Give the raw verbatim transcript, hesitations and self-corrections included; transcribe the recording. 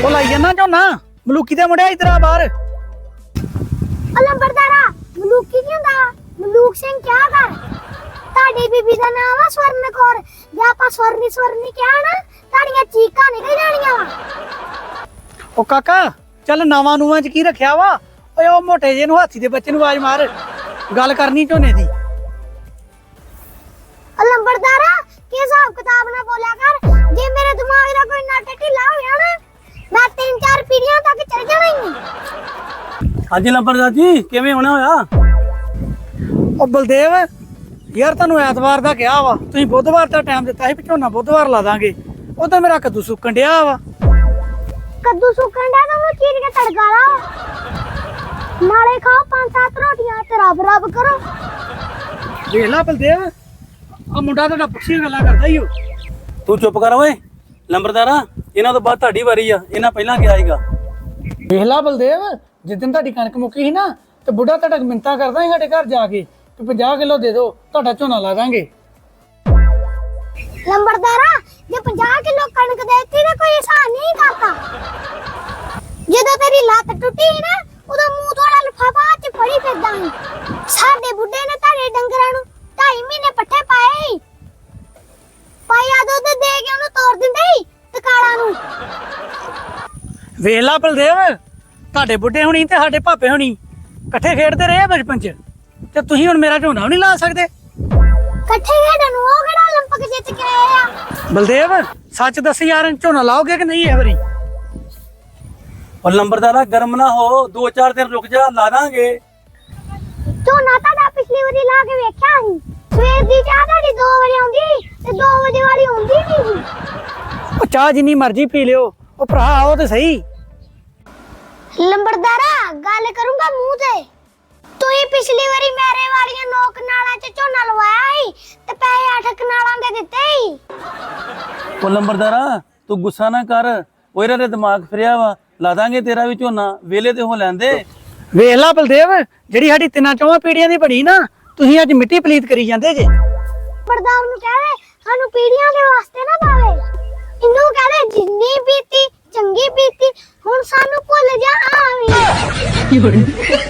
ਉਹ ਲਾਈ ਜਾਣਾ ਝੋਨਾ ਮਲੂਕੀ ਦੇ ਮੁੰਡਿਆ ਇਧਰ ਆ ਬਾਹਰ। ਲੰਬੜਦਾਰਾ ਮਲੂਕੀ ਕੀ ਹੁੰਦਾ? ਮਲੂਕ ਸਿੰਘ ਕਿਆ ਕਰ? ਤੁਹਾਡੀ ਬੀਬੀ ਦਾ ਨਾਮ ਆ ਸਵਰਨ ਕੌਰ। ਜੇ ਆਪਾਂ ਸਵਰਨੀ ਸਵਰਨੀ ਕਿਹਾ ਨਾ ਤੁਹਾਡੀਆਂ ਚੀਕਾਂ ਨਿਕਲ ਜਾਣੀਆਂ ਵਾ। ਉਹ ਕਾਕਾ ਚੱਲ ਨਵਾਂ ਨੂਆਂ ਚ ਕੀ ਰੱਖਿਆ ਵਾ? ਓਏ ਉਹ ਮੋਟੇ ਜੇ ਨੂੰ ਹਾਥੀ ਦੇ ਬੱਚੇ ਨੂੰ ਆਵਾਜ਼ ਮਾਰ, ਗੱਲ ਕਰਨੀ ਝੋਨੇ ਦੀ। ਲੰਬੜਦਾਰਾ ਕੀ ਹਿਸਾਬ ਕਿਤਾਬ ਨਾ ਬੋਲਿਆ ਕਰ। ਜੇ ਮੇਰੇ ਦਿਮਾਗ ਦਾ ਕੋਈ ਨਟ ਢਿੱਲਾ ਹੋ ਗਿਆ ਨਾ ਮੈਂ ਤਿੰਨ ਚਾਰ ਪੀੜ੍ਹੀਆਂ ਤੱਕ ਚੱਲ ਜਾਣਾ ਹੀ ਨਹੀਂ। ਹਾਂਜੀ ਲੰਬੜਦਾਰ ਜੀ ਕਿਵੇਂ ਹੋਣਾ ਹੋਇਆ? ਉਹ ਬਲਦੇਵ ਯਾਰ ਤੁਹਾਨੂੰ ਐਤਵਾਰ ਦਾ ਕਿਹਾ ਵਾ, ਤੁਸੀਂ ਬੁੱਧਵਾਰ ਦਾ ਟਾਈਮ ਦਿੱਤਾ ਸੀ ਵੀ ਝੋਨਾ ਬੁੱਧਵਾਰ ਲਾ ਦਾਂਗੇ। ਉਹ ਤਾਂ ਮੇਰਾ ਕੱਦੂ ਸੁੱਕਣ ਡਿਆ ਵਾ। ਕੱਦੂ ਸੁੱਕਣ ਦਾ ਤਾਂ ਚੀਰ ਕੇ ਤੜਕਾ ਲਾਓ, ਨਾਲੇ ਖਾਓ ਪੰਜ ਸੱਤ ਰੋਟੀਆਂ ਤੇ ਰੱਬ ਰੱਬ ਕਰੋ। ਦੇਖ ਲਾ ਬਲਦੇਵ ਆ ਮੁੰਡਾ ਤੁਹਾਡਾ ਪੁੱਛੀਆਂ ਗੱਲਾਂ ਕਰਦਾ ਹੀ ਉਹ। ਤੂੰ ਚੁੱਪ ਕਰ ਓਏ ਲੰਬੜਦਾਰਾ, ਇਹਨਾਂ ਤੋਂ ਬਾਅਦ ਤੁਹਾਡੀ ਵਾਰੀ ਆ, ਇਹਨਾਂ ਪਹਿਲਾਂ ਕਿਹਾ ਸੀਗਾ। ਦੇਖ ਲਾ ਬਲਦੇਵ ਜਿੱਦਣ ਤੁਹਾਡੀ ਕਣਕ ਮੁੱਕੀ ਸੀ ਨਾ ਤੇ ਬੁੱਢਾ ਤੁਹਾਡਾ ਮਿੰਤਾ ਕਰਦਾ ਸੀ ਸਾਡੇ ਘਰ ਜਾ ਕੇ ਕਿ ਪੰਜਾਹ ਕਿਲੋ ਦੇ ਦਿਓ ਤੁਹਾਡਾ ਝੋਨਾ ਲਾ ਦਾਂਗੇ। ਲੰਬੜਦਾਰਾ ਜੇ ਪੰਜਾਹ ਕਿਲੋ ਕਣਕ ਦੇਤੀ ਤਾਂ ਕੋਈ ਹਿਸਾਬ ਨਹੀਂ ਕਰਤਾ। ਜਦੋਂ ਤੇਰੀ ਲੱਤ ਟੁੱਟੀ ਸੀ ਨਾ ਉਦੋਂ ਮੂੰਹ ਥੋੜਾ ਲਿਫਾਫਾ ਚ ਫੜੀ ਫਿਰਦਾ ਸੀ। ਸਾਡੇ ਬੁੱਢੇ ਨੇ ਤੁਹਾਡੇ ਡੰਗਰਾਂ ਨੂੰ ਢਾਈ ਮਹੀਨੇ ਪੱਠੇ ਪਾਏ ਸੀ। ਪਾਇਆ ਦੁੱਧ ਦੇ ਕੇ ਉਹਨੂੰ ਤੋੜ ਦਿੰਦੇ ਸੀ ਤਕਾਲਾ ਨੂੰ। ਵੇਖ ਲਾ ਬਲਦੇਵ ਤੁਹਾਡੇ ਬੁੱਢੇ ਹੋਣੀ ਤੇ ਸਾਡੇ ਭਾਪੇ ਹੋਣੀ ਇਕੱਠੇ ਖੇਡਦੇ ਰਹੇ ਬਚਪਨ ਚ, ਤੇ ਤੁਸੀਂ ਹੁਣ ਮੇਰਾ ਝੋਨਾ ਵੀ ਨਹੀਂ ਲਾ ਸਕਦੇ। ਇਕੱਠੇ ਖੇਡਣ ਨੂੰ ਉਹ ਕਿਹੜਾ 올림픽 ਜਿੱਤ ਕੇ ਆਏ ਆ। ਬਲਦੇਵ ਸੱਚ ਦੱਸ ਯਾਰ ਝੋਨਾ ਲਾਓਗੇ ਕਿ ਨਹੀਂ ਇਹ ਵਾਰੀ? ਉਹ ਲੰਬੜਦਾਰਾ ਗਰਮ ਨਾ ਹੋ, ਦੋ ਚਾਰ ਦਿਨ ਰੁਕ ਜਾ, ਲਾ ਦਾਂਗੇ। ਝੋਨਾ ਤੁਹਾਡਾ ਪਿਛਲੀ ਵਾਰੀ ਲਾ ਕੇ ਵੇਖਿਆ ਸੀ, ਸਵੇਰ ਦੀ ਚਾਹ ਤੁਹਾਡੀ ਦੋ ਵਜੇ ਆਉਂਦੀ ਤੇ ਦੋ ਵਜੇ ਵਾਲੀ ਆਉਂਦੀ ਨਹੀਂ ਸੀ। ਉਹ ਚਾਹ ਜਿੰਨੀ ਮਰਜ਼ੀ ਪੀ ਲਿਓ, ਉਹ ਭਰਾ ਆਓ ਤੇ ਸਹੀ। ਲੰਬੜਦਾਰਾ ਗੱਲ ਕਰੂੰਗਾ ਮੂੰਹ ਤੇ। ਤੁਸੀਂ ਪਿਛਲੀ ਵਾਰੀ ਮੇਰੇ ਵਾਲੀਆਂ ਨੋਕ ਨਾਲਾਂ ਚ ਝੋਨਾ ਲਵਾਇਆ ਸੀ ਤੇ ਪੈਸੇ ਅੱਠ ਕਨਾਲਾਂ ਦੇ ਦਿੱਤੇ ਸੀ। ਉਹ ਲੰਬੜਦਾਰਾ ਤੂੰ ਗੁੱਸਾ ਨਾ ਕਰ, ਉਹ ਇਹਨਾਂ ਦੇ ਦਿਮਾਗ ਫਿਰਿਆ ਵਾ, ਲਾ ਦਾਂਗੇ ਤੇਰਾ ਵੀ ਝੋਨਾ, ਵੇਲੇ ਤੇ ਹੋ ਲੈਂਦੇ। ਵੇਖ ਲਾ ਬਲਦੇਵ ਜਿਹੜੀ ਸਾਡੀ ਤਿੰਨਾਂ ਚੌਵਾਂ ਪੀੜੀਆਂ ਦੀ ਬਣੀ ਨਾ, ਤੁਸੀਂ ਅੱਜ ਮਿੱਟੀ ਪਲੀਤ ਕਰੀ ਜਾਂਦੇ ਜੇ। ਬਰਦਾਰ ਨੂੰ ਕਹਵੇ ਸਾਨੂੰ ਪੀੜੀਆਂ ਦੇ ਵਾਸਤੇ ਨਾ ਪਾਵੇ, ਇਹਨੂੰ ਕਹਵੇ ਜਿੰਨੀ ਬੀਤੀ ਚੰਗੀ ਬੀਤੀ, ਹੁਣ ਸਾਨੂੰ ਭੁੱਲ ਜਾ ਆਵੀਂ।